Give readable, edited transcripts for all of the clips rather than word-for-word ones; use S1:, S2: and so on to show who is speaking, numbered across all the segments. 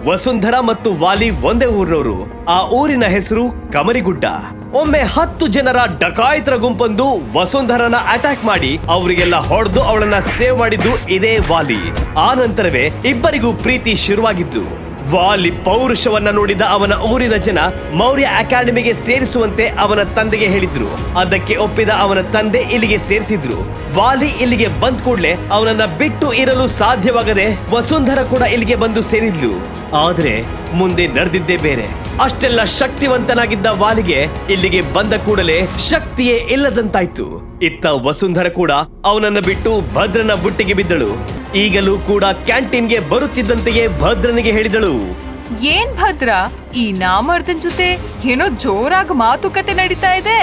S1: ವಸುಂಧರಾ ಮತ್ತು ವಾಲಿ ಒಂದೇ ಊರಿನವರು. ಆ ಊರಿನ ಹೆಸರು ಕಮರಿಗುಡ್ಡ. ಒಮ್ಮೆ 10 ಜನರ ಡಕಾಯಿತರ ಗುಂಪೊಂದು ವಸುಂಧರನ ಅಟ್ಯಾಕ್ ಮಾಡಿ ಅವರಿಗೆಲ್ಲ ಹೊಡೆದು ಅವಳನ್ನ ಸೇವ್ ಮಾಡಿದ್ದು ಇದೇ ವಾಲಿ. ಆ ನಂತರವೇ ಇಬ್ಬರಿಗೂ ಪ್ರೀತಿ ಶುರುವಾಗಿದ್ದು. ವಾಲಿ ಪೌರುಷವನ್ನ ನೋಡಿದ ಅವನ ಊರಿನ ಜನ ಮೌರ್ಯ ಅಕಾಡೆಮಿಗೆ ಸೇರಿಸುವಂತೆ ಅವನ ತಂದೆಗೆ ಹೇಳಿದ್ರು. ಅದಕ್ಕೆ ಒಪ್ಪಿದ ಅವನ ತಂದೆ ಇಲ್ಲಿಗೆ ಸೇರಿಸಿದ್ರು. ವಾಲಿ ಇಲ್ಲಿಗೆ ಬಂದ್ ಕೂಡ್ಲೆ ಅವನನ್ನ ಬಿಟ್ಟು ಇರಲು ಸಾಧ್ಯವಾಗದೆ ವಸುಂಧರ ಕೂಡ ಇಲ್ಲಿಗೆ ಬಂದು ಸೇರಿದ್ಲು. ಆದ್ರೆ ಮುಂದೆ ನಡೆದಿದ್ದೇ ಬೇರೆ. ಅಷ್ಟೆಲ್ಲ ಶಕ್ತಿವಂತನಾಗಿದ್ದ ವಾಲಿಗೆ ಇಲ್ಲಿಗೆ ಬಂದ ಕೂಡಲೇ ಶಕ್ತಿಯೇ ಇಲ್ಲದಂತಾಯ್ತು. ಇತ್ತ ವಸುಂಧರ ಕೂಡ ಅವನನ್ನ ಬಿಟ್ಟು ಭದ್ರನ ಬುಟ್ಟಿಗೆ ಬಿದ್ದಳು. ಈಗಲೂ ಕೂಡ ಕ್ಯಾಂಟೀನ್ಗೆ ಬರುತ್ತಿದ್ದಂತೆಯೇ ಭದ್ರನಿಗೆ ಹೇಳಿದಳು,
S2: ಏನ್ ಭದ್ರ, ಈ ನಾಮರ್ದನ್ ಜೊತೆ ಏನೋ ಜೋರಾಗಿ ಮಾತುಕತೆ ನಡೀತಾ ಇದೆ.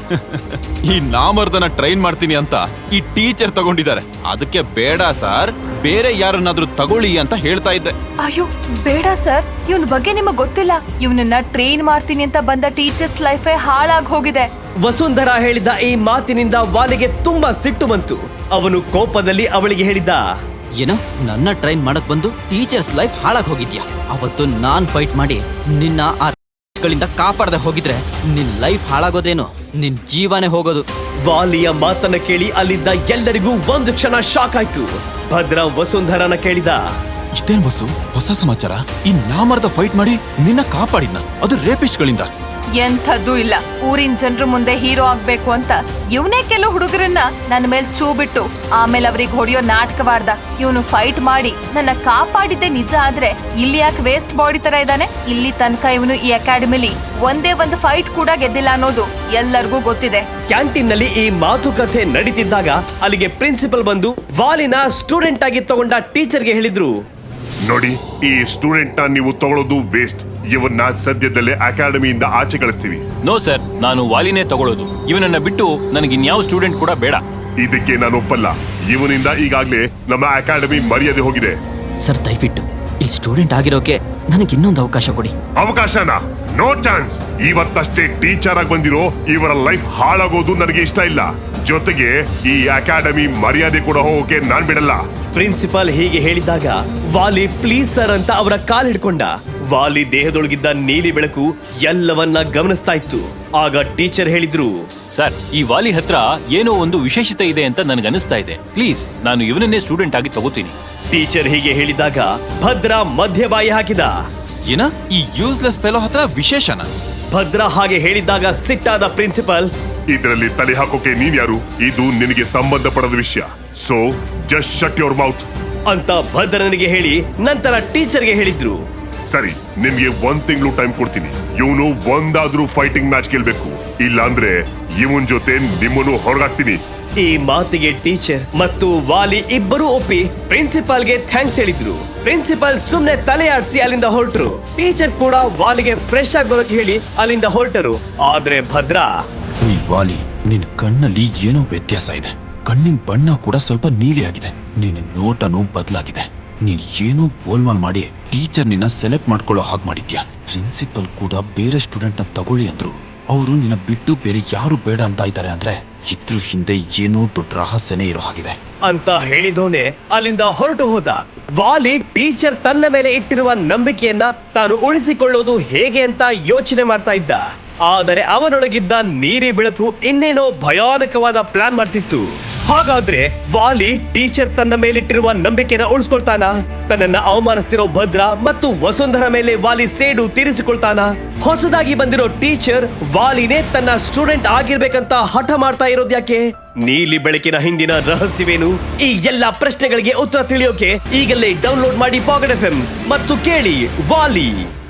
S3: ಈ ನಾಮರ್ದನ ಟ್ರೈನ್ ಮಾಡ್ತೀನಿ ಅಂತ ಈ ಟೀಚರ್ ತಗೊಂಡಿದ್ದಾರೆ. ಅದಕ್ಕೆ ಬೇಡ ಸರ್, ಬೇರೆ ಯಾರನ್ನಾದ್ರೂ ತಗೊಳ್ಳಿ ಅಂತ ಹೇಳ್ತಾ ಇದ್ದೆ.
S2: ಅಯ್ಯೋ ಬೇಡ ಸರ್, ಇವನ್ ಬಗ್ಗೆ ನಿಮಗ್ ಗೊತ್ತಿಲ್ಲ. ಇವನನ್ನ ಟ್ರೈನ್ ಮಾಡ್ತೀನಿ ಅಂತ ಬಂದ ಟೀಚರ್ಸ್ ಲೈಫೇ ಹಾಳಾಗ್ ಹೋಗಿದೆ.
S1: ವಸುಂಧರ ಹೇಳಿದ ಈ ಮಾತಿನಿಂದ ವಾಲಿಗೆ ತುಂಬಾ ಸಿಟ್ಟು ಬಂತು. ಅವನು ಕೋಪದಲ್ಲಿ ಅವಳಿಗೆ ಹೇಳಿದ,
S4: ಏನೋ ನನ್ನ ಟ್ರೈನ್ ಮಾಡಕ್ ಬಂದು ಟೀಚರ್ಸ್ ಲೈಫ್ ಹಾಳಾಗ್ ಹೋಗಿದ್ಯಾ? ಅವತ್ತು ನಾನ್ ಫೈಟ್ ಮಾಡಿ ನಿನ್ನ ಆ ಗಳಿಂದ ಕಾಪಾಡದೆ ಹೋಗಿದ್ರೆ ನಿನ್ ಲೈಫ್ ಹಾಳಾಗೋದೇನು, ನಿನ್ ಜೀವನೇ ಹೋಗೋದು.
S1: ವಾಲಿಯ ಮಾತನ್ನ ಕೇಳಿ ಅಲ್ಲಿದ್ದ ಎಲ್ಲರಿಗೂ ಒಂದು ಕ್ಷಣ ಶಾಕ್ ಆಯ್ತು. ಭದ್ರ ವಸುಂಧರನ ಕೇಳಿದ,
S3: ಇಷ್ಟೇನ್ ಬಸ್ಸು ಹೊಸ ಸಮಾಚಾರ? ಈ ನಾಮರ್ದ ಫೈಟ್ ಮಾಡಿ ನಿನ್ನ ಕಾಪಾಡಿದ್ನ, ಅದು ರೇಪಿಸ್ಟ್ ಗಳಿಂದ.
S2: ಎಂಥದ್ದು ಇಲ್ಲ. ಊರಿನ ಜನರ ಮುಂದೆ ಹೀರೋ ಆಗ್ಬೇಕು ಅಂತ ಇವನೇ ಕೆಲವು ಹುಡುಗರನ್ನ ನನ್ನ ಮೇಲೆ ಚೂ ಬಿಟ್ಟು ಆಮೇಲೆ ಅವ್ರಿಗೆ ಹೊಡೆಯೋ ನಾಟಕವಾಡ್ದ. ಇವನು ಫೈಟ್ ಮಾಡಿ ನನ್ನ ಕಾಪಾಡಿದ್ದೆ ನಿಜ ಆದ್ರೆ ಇಲ್ಲಿ ಯಾಕೆ ವೇಸ್ಟ್ ಬಾಡಿ ತರ ಇದ್ದಾನೆ? ಇಲ್ಲಿ ತನಕ ಇವನು ಈ ಅಕಾಡೆಮಿಲಿ ಒಂದೇ ಒಂದು ಫೈಟ್ ಕೂಡ ಗೆದ್ದಿಲ್ಲ ಅನ್ನೋದು ಎಲ್ಲರಿಗೂ ಗೊತ್ತಿದೆ.
S1: ಕ್ಯಾಂಟೀನ್ ನಲ್ಲಿ ಈ ಮಾತುಕತೆ ನಡೀತಿದ್ದಾಗ ಅಲ್ಲಿಗೆ ಪ್ರಿನ್ಸಿಪಲ್ ಬಂದು ವಾಲಿನ ಸ್ಟೂಡೆಂಟ್ ಆಗಿ ತಗೊಂಡ ಟೀಚರ್ಗೆ ಹೇಳಿದ್ರು,
S5: ನೋಡಿ, ಈ ಸ್ಟೂಡೆಂಟ್ ನ ನೀವು ತಗೊಳ್ಳೋದು ವೇಸ್ಟ್. ಇವನ್ನ ಸದ್ಯದಲ್ಲೇ ಅಕಾಡೆಮಿಯಿಂದ ಆಚೆ ಕಳಿಸ್ತೀವಿ.
S6: ನೋ ಸರ್, ನಾನು ವಾಲಿನೇ ತಗೊಳ್ಳೋದು. ಇವನನ್ನ ಬಿಟ್ಟು ನನಗೆ ಇನ್ಯಾವ ಸ್ಟೂಡೆಂಟ್ ಕೂಡ ಬೇಡ.
S5: ಇದಕ್ಕೆ ನಾನು ಒಪ್ಪಲ್ಲ. ಇವನಿಂದ ಈಗಾಗ್ಲೇ ನಮ್ಮ ಅಕಾಡೆಮಿ ಮರ್ಯಾದೆ ಹೋಗಿದೆ.
S4: ಸರ್ ದಯವಿಟ್ಟು ಇಲ್ಲಿ ಸ್ಟೂಡೆಂಟ್ ಆಗಿರೋಕೆ ನನಗೆ ಇನ್ನೊಂದು ಅವಕಾಶ ಕೊಡಿ.
S5: ಅವಕಾಶನಾ? No chance. ಇವತ್ತಷ್ಟೇ ಟೀಚರ್ ಆಗಿ ಬಂದಿರೋ ಇವರ ಲೈಫ್ ಹಾಳಾಗೋದು ನನಗೆ ಇಷ್ಟ ಇಲ್ಲ. ಜೊತೆಗೆ ಈ ಅಕಾಡೆಮಿ ಮರ್ಯಾದೆ ಕೂಡ ಹೋಗೋಕೆ ನಾನ್ ಬಿಡಲ್ಲ.
S1: ಪ್ರಿನ್ಸಿಪಲ್ ಹೀಗೆ ಹೇಳಿದಾಗ ವಾಲಿ ಪ್ಲೀಸ್ ಸರ್ ಅಂತ ಅವರ ಕಾಲ್ ಹಿಡ್ಕೊಂಡ. ವಾಲಿ ದೇಹದೊಳಗಿದ್ದ ನೀಲಿ ಬೆಳಕು ಎಲ್ಲವನ್ನ ಗಮನಿಸ್ತಾ ಇತ್ತು. ಆಗ ಟೀಚರ್ ಹೇಳಿದ್ರು,
S6: ಸರ್, ಈ ವಾಲಿ ಹತ್ರ ಏನೋ ಒಂದು ವಿಶೇಷತೆ ಇದೆ ಅಂತ ನನಗನ್ನಿಸ್ತಾ ಇದೆ. ಪ್ಲೀಸ್, ನಾನು ಇವನನ್ನೇ ಸ್ಟೂಡೆಂಟ್ ಆಗಿ ತಗೋತೀನಿ.
S1: ಟೀಚರ್ ಹೀಗೆ ಹೇಳಿದಾಗ ಭದ್ರ ಮಧ್ಯಬಾಯಿ ಹಾಕಿದ.
S3: ಏನ ಈ ಯೂಸ್ಲೆಸ್ ಫೆಲೋ ಹತ್ರ ವಿಶೇಷನ?
S1: ಭದ್ರ ಹಾಗೆ ಹೇಳಿದಾಗ ಸಿಟ್ಟಾದ ಪ್ರಿನ್ಸಿಪಲ್,
S5: ಇದರಲ್ಲಿ ತಲೆ ಹಾಕೋಕೆ ನೀನ್ ಯಾರು? ಇದು ನಿನಗೆ ಸಂಬಂಧ ಪಡದ ವಿಷಯ. So just shut your mouth
S1: ಅಂತ ಭದ್ರನಿಗೆ ಹೇಳಿ ನಂತರ ಟೀಚರ್ಗೆ ಹೇಳಿದ್ರು,
S5: ಸರಿ, ನಿಮ್ಗೆ 1 ತಿಂಗಳು ಟೈಮ್ ಕೊಡ್ತೀನಿ. ಇವನು ಒಂದಾದ್ರೂ ಫೈಟಿಂಗ್ ಮ್ಯಾಚ್ ಗೆಲ್ಬೇಕು. ಇಲ್ಲ ಅಂದ್ರೆ ಇವನ್ ಜೊತೆ ನಿಮ್ಮನ್ನು ಹೊರಗಾಕ್ತೀನಿ.
S1: ಈ ಮಾತಿಗೆ ಟೀಚರ್ ಮತ್ತು ವಾಲಿ ಇಬ್ಬರೂ ಒಪ್ಪಿ ಪ್ರಿನ್ಸಿಪಾಲ್ಗೆ ಥ್ಯಾಂಕ್ಸ್ ಹೇಳಿದ್ರು. ಪ್ರಿನ್ಸಿಪಾಲ್ ಸುಮ್ನೆ ತಲೆ ಆಡಿಸಿ ಅಲ್ಲಿಂದ ಹೊರಟರು. ಟೀಚರ್ ಕೂಡ ವಾಲಿಗೆ ಫ್ರೆಶ್ ಆಗಿ ಬರೋಕೆ ಹೇಳಿ ಅಲ್ಲಿಂದ ಹೊರಟರು. ಆದ್ರೆ ಭದ್ರ,
S3: ಈ ವಾಲಿ, ನಿನ್ ಕಣ್ಣಲ್ಲಿ ಏನೋ ವ್ಯತ್ಯಾಸ ಇದೆ. ಕಣ್ಣಿನ ಬಣ್ಣ ಕೂಡ ಸ್ವಲ್ಪ ನೀಲಿ ಆಗಿದೆ. ನಿನ್ನ ನೋಟನು ಬದಲಾಗಿದೆ. ನೀನ್ ಏನೋ ಗೋಲ್ಮಾಲ್ ಮಾಡಿ ಟೀಚರ್ ನಿನ್ನ ಸೆಲೆಕ್ಟ್ ಮಾಡ್ಕೊಳ್ಳೋ ಹಾಗೆ ಮಾಡಿದ್ಯಾ. ಪ್ರಿನ್ಸಿಪಲ್ ಕೂಡ ಬೇರೆ ಸ್ಟೂಡೆಂಟ್ ನ ತಗೊಳ್ಳಿ ಅಂದ್ರು. ಅವರು ನಿನ್ನ ಬಿಟ್ಟು ಬೇರೆ ಯಾರು ಬೇಡ ಅಂತ ಇದ್ದಾರೆ ಅಂದ್ರೆ ಇದ್ರ ಹಿಂದೆ ಏನೋ ದೊಡ್ಡ ರಹಸ್ಯನೇ ಇರೋ ಹಾಗಿದೆ
S1: ಅಂತ ಹೇಳಿದೋನೆ ಅಲ್ಲಿಂದ ಹೊರಟು ಹೋದ. ವಾಲಿ ಟೀಚರ್ ತನ್ನ ಮೇಲೆ ಇಟ್ಟಿರುವ ನಂಬಿಕೆಯನ್ನ ತಾನು ಉಳಿಸಿಕೊಳ್ಳೋದು ಹೇಗೆ ಅಂತ ಯೋಚನೆ ಮಾಡ್ತಾ ಇದ್ದ. ಆದರೆ ಅವನೊಳಗಿದ್ದ ನೀರಿ ಬೆಳಕು ಇನ್ನೇನೋ ಭಯಾನಕವಾದ ಪ್ಲಾನ್ ಮಾಡ್ತಿತ್ತು. ಹಾಗಾದ್ರೆ ವಾಲಿ ಟೀಚರ್ ತನ್ನ ಮೇಲಿಟ್ಟಿರುವ ನಂಬಿಕೆನ ಉಳಿಸ್ಕೊಳ್ತಾನ? ತನ್ನನ್ನ ಅವಮಾನಿಸ್ತಿರೋ ಭದ್ರ ಮತ್ತು ವಸುಂಧರ ಮೇಲೆ ವಾಲಿ ಸೇಡು ತೀರಿಸಿಕೊಳ್ತಾನ? ಹೊಸದಾಗಿ ಬಂದಿರೋ ಟೀಚರ್ ವಾಲಿನೇ ತನ್ನ ಸ್ಟೂಡೆಂಟ್ ಆಗಿರ್ಬೇಕಂತ ಹಠ ಮಾಡ್ತಾ ಇರೋದ್ಯಾಕೆ? ನೀಲಿ ಬೆಳಕಿನ ಹಿಂದಿನ ರಹಸ್ಯವೇನು? ಈ ಎಲ್ಲಾ ಪ್ರಶ್ನೆಗಳಿಗೆ ಉತ್ತರ ತಿಳಿಯೋಕೆ ಈಗಲೇ ಡೌನ್ಲೋಡ್ ಮಾಡಿ ಪಾಕೆಟ್ FM ಮತ್ತು ಕೇಳಿ ವಾಲಿ.